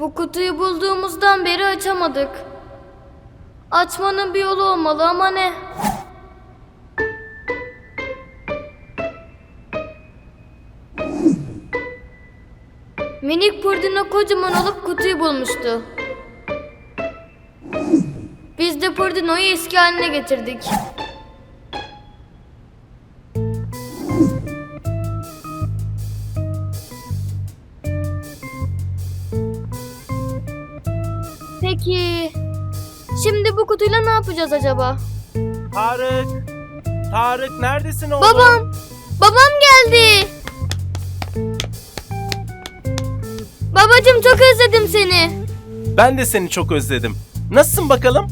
Bu kutuyu bulduğumuzdan beri açamadık. Açmanın bir yolu olmalı ama ne? Minik Purdino kocaman olup kutuyu bulmuştu. Biz de Purdino'yu eski haline getirdik. Peki, şimdi bu kutuyla ne yapacağız acaba? Tarık! Tarık neredesin oğlum? Babam geldi. Babacığım çok özledim seni. Ben de seni çok özledim. Nasılsın bakalım?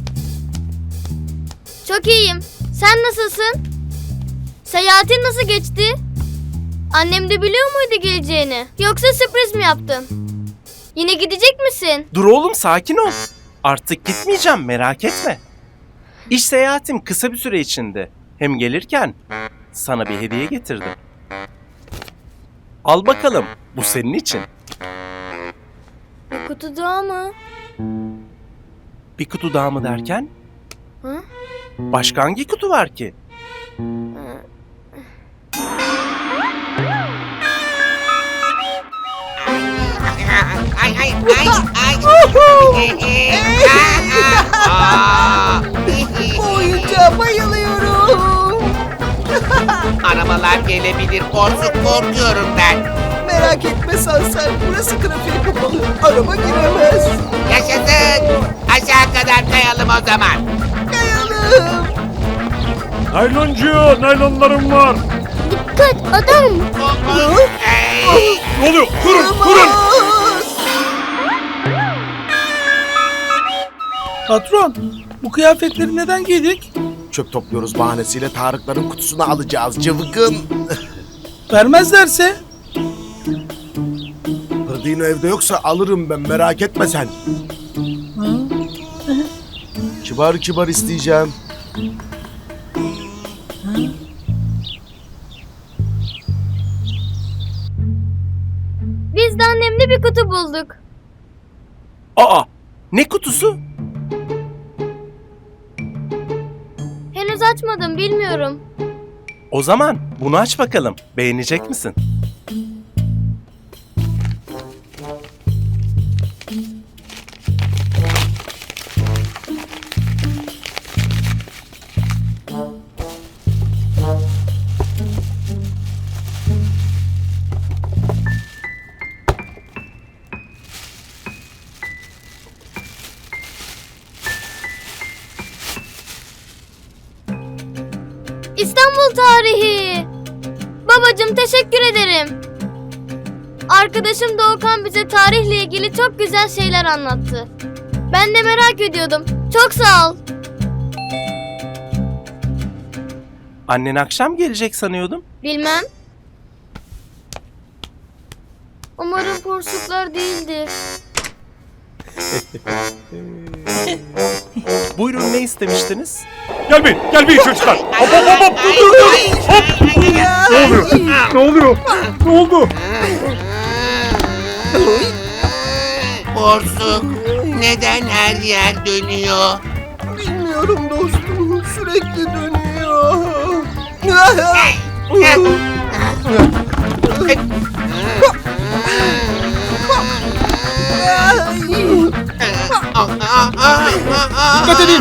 Çok iyiyim. Sen nasılsın? Seyahatin nasıl geçti? Annem de biliyor muydu geleceğini? Yoksa sürpriz mi yaptın? Yine gidecek misin? Dur oğlum sakin ol. Artık gitmeyeceğim merak etme. İş seyahatim kısa bir süre içinde. Hem gelirken sana bir hediye getirdim. Al bakalım bu senin için. Bir kutu daha mı? Bir kutu daha mı derken? Hı? Başka hangi kutu var ki? Bu oyuncağa bayılıyorum. Arabalar gelebilir. Korkuyorum ben. Merak etme Sansar. Burası trafiğe kapalı. Araba giremez. Yaşasın. Aşağı kadar kayalım o zaman. Kayalım. Nayloncu, naylonlarım var. Dikkat adam. Ey! Ne oluyor? Durun! Patron, bu kıyafetleri neden giydik? Çöp topluyoruz bahanesiyle Tarıkların kutusunu alacağız cıvıkın. Vermezlerse? Pırdino evde yoksa alırım ben merak etme sen. Kibar kibar isteyeceğim. Biz de annemle bir kutu bulduk. Aa! Ne kutusu? Henüz açmadım bilmiyorum. O zaman bunu aç bakalım. Beğenecek misin? İstanbul tarihi. Babacığım teşekkür ederim. Arkadaşım Doğukan bize tarihle ilgili çok güzel şeyler anlattı. Ben de merak ediyordum. Çok sağ ol. Annen akşam gelecek sanıyordum. Bilmem. Umarım porsuklar değildir. Buyurun ne istemiştiniz? Gelmeyin çocuklar. Hop dur. Ne oluyor? Ne oldu? Borsuk. Neden her yer dönüyor? Bilmiyorum dostum. Sürekli dönüyor. Dikkat edin.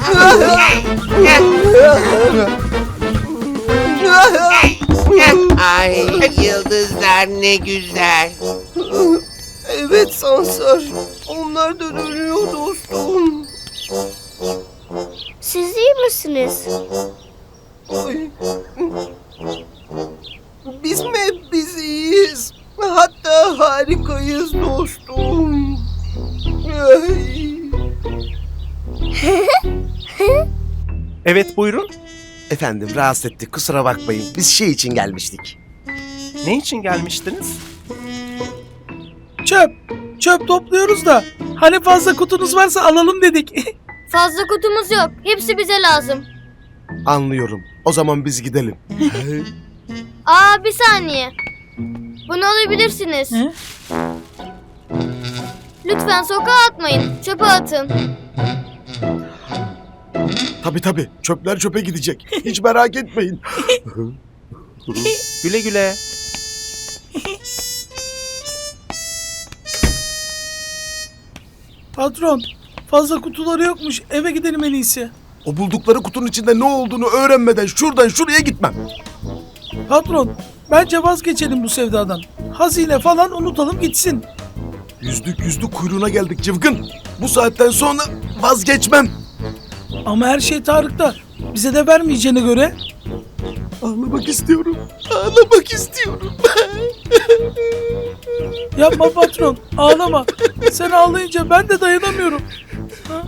Ay yıldızlar ne güzel. Evet Sansar. Onlar da dönüyor dostum. Siz iyi misiniz? Ay. Biz mi hep biz iyiyiz? Hatta harikayız dostum. Ay. Evet buyurun. Efendim rahatsız ettik kusura bakmayın. Biz şey için gelmiştik. Ne için gelmiştiniz? Çöp topluyoruz da. Hani fazla kutunuz varsa alalım dedik. Fazla kutumuz yok. Hepsi bize lazım. Anlıyorum. O zaman biz gidelim. Aa bir saniye. Bunu alabilirsiniz. Hı? Lütfen sokağa atmayın. Çöpe atın. Tabii çöpler çöpe gidecek. Hiç merak etmeyin. Güle güle. Patron, fazla kutuları yokmuş. Eve gidelim en iyisi. O buldukları kutunun içinde ne olduğunu öğrenmeden şuradan şuraya gitmem. Patron, bence vazgeçelim bu sevdadan. Hazine falan unutalım gitsin. Yüzlük kuyruğuna geldik Cıvgın. Bu saatten sonra vazgeçmem. Ama her şey Tarık'ta. Bize de vermeyeceğine göre. Ağlamak istiyorum. Ağlamak istiyorum. Yapma patron, ağlama. Sen ağlayınca ben de dayanamıyorum. Ha?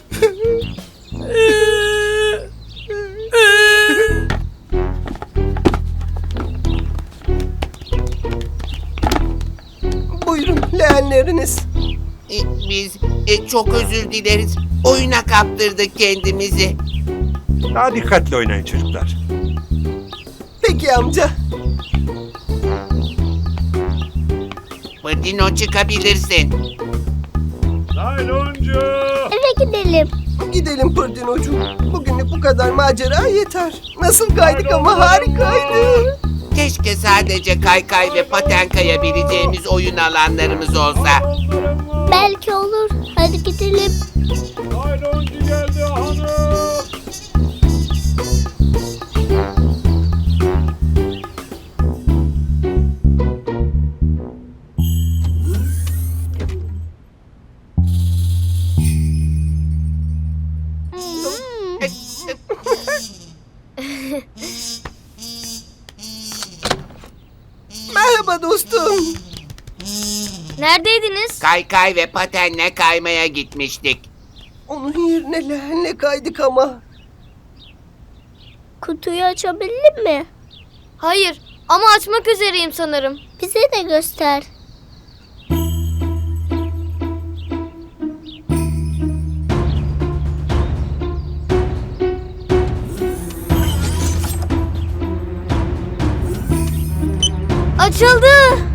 Buyurun leğenleriniz. Biz çok özür dileriz. Oyuna kaptırdık kendimizi. Daha dikkatli oynayın çocuklar. Peki amca. Pırdino çıkabilirsin. Nayloncu! Eve gidelim. Gidelim Pırdinocuğum. Bugünlük bu kadar macera yeter. Nasıl kaydık ama harikaydı. Keşke sadece kaykay ve paten kayabileceğimiz oyun alanlarımız olsa. Belki olur. Hadi gidelim. Nayloncu geldi hanım! Merhaba dostum. Neredeydiniz? Kaykay ve patenle kaymaya gitmiştik. Onun yerine leğenle kaydık ama. Kutuyu açabildin mi? Hayır ama açmak üzereyim sanırım. Bize de göster. Açıldı.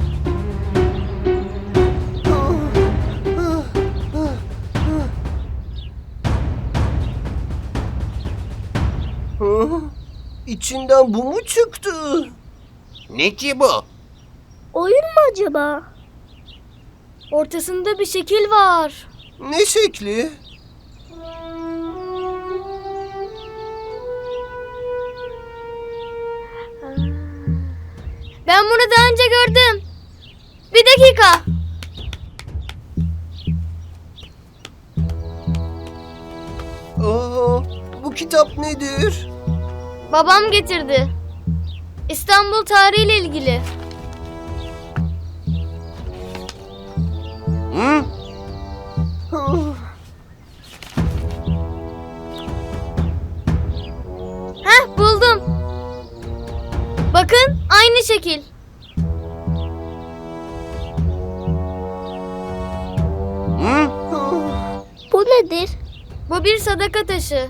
Hı? İçinden bu mu çıktı? Ne ki bu? Oyun mu acaba? Ortasında bir şekil var. Ne şekli? Ben bunu daha önce gördüm. Bir dakika. Aa, bu kitap nedir? Babam getirdi. İstanbul tarihiyle ilgili. Hı? Ah, Heh buldum. Bakın aynı şekil. Hı? ah. Bu nedir? Bu bir sadaka taşı.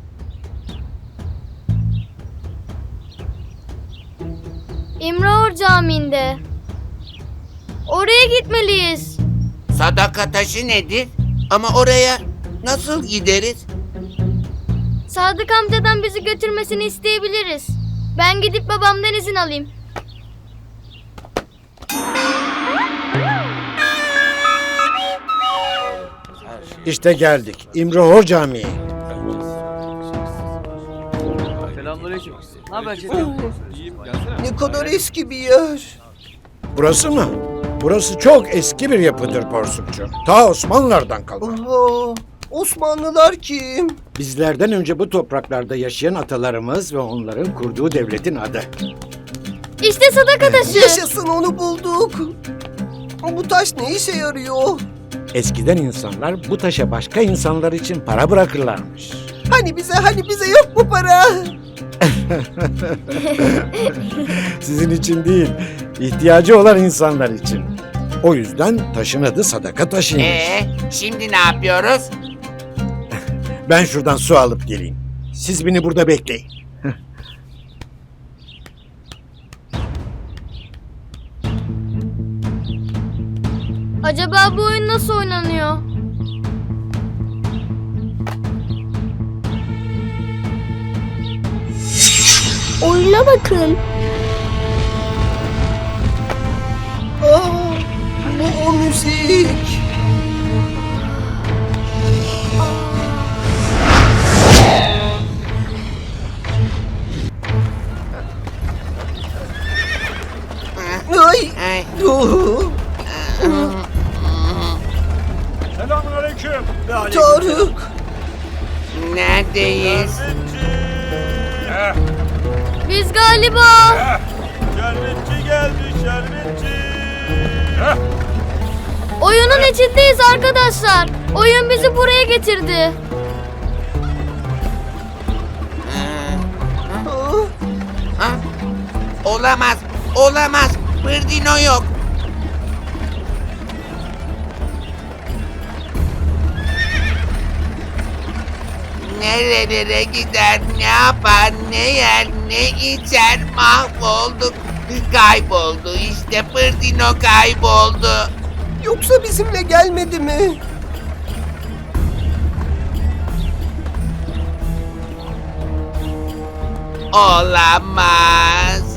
İmraor Camii'nde. Oraya gitmeliyiz. Sadaka taşı nedir? Ama oraya nasıl gideriz? Sadık amcadan bizi götürmesini isteyebiliriz. Ben gidip babamdan izin alayım. İşte geldik. İmrahor Camii. Ne kadar eski bir yer. Burası mı? Burası çok eski bir yapıdır Porsukçu. Ta Osmanlılardan kalma. Aa, Osmanlılar kim? Bizlerden önce bu topraklarda yaşayan atalarımız ve onların kurduğu devletin adı. İşte sadaka taşı. Yaşasın, onu bulduk. Bu taş ne işe yarıyor? Eskiden insanlar bu taşa başka insanlar için para bırakırlarmış. Hani bize yok mu para? Sizin için değil, ihtiyacı olan insanlar için. O yüzden taşın adı sadaka taşıymış. Şimdi ne yapıyoruz? Ben şuradan su alıp geleyim. Siz beni burada bekleyin. Acaba bu oyun nasıl oynanıyor? Oyuna bakın. Aa, bu o müzik. Ay. Ay. Oh, Selamünaleyküm. Tarık. Neredeyiz? Heh, Biz galiba... şerbetçi geldi şerbetçi. Heh, Oyunun içindeyiz arkadaşlar. Oyun bizi buraya getirdi. Ah, Ha? Olamaz, olamaz. Pırdino yok. Nerelere gider, ne yapar, ne yer, ne içer, mahvolduk. Kayboldu, işte Pırdino kayboldu. Yoksa bizimle gelmedi mi? Olamaz.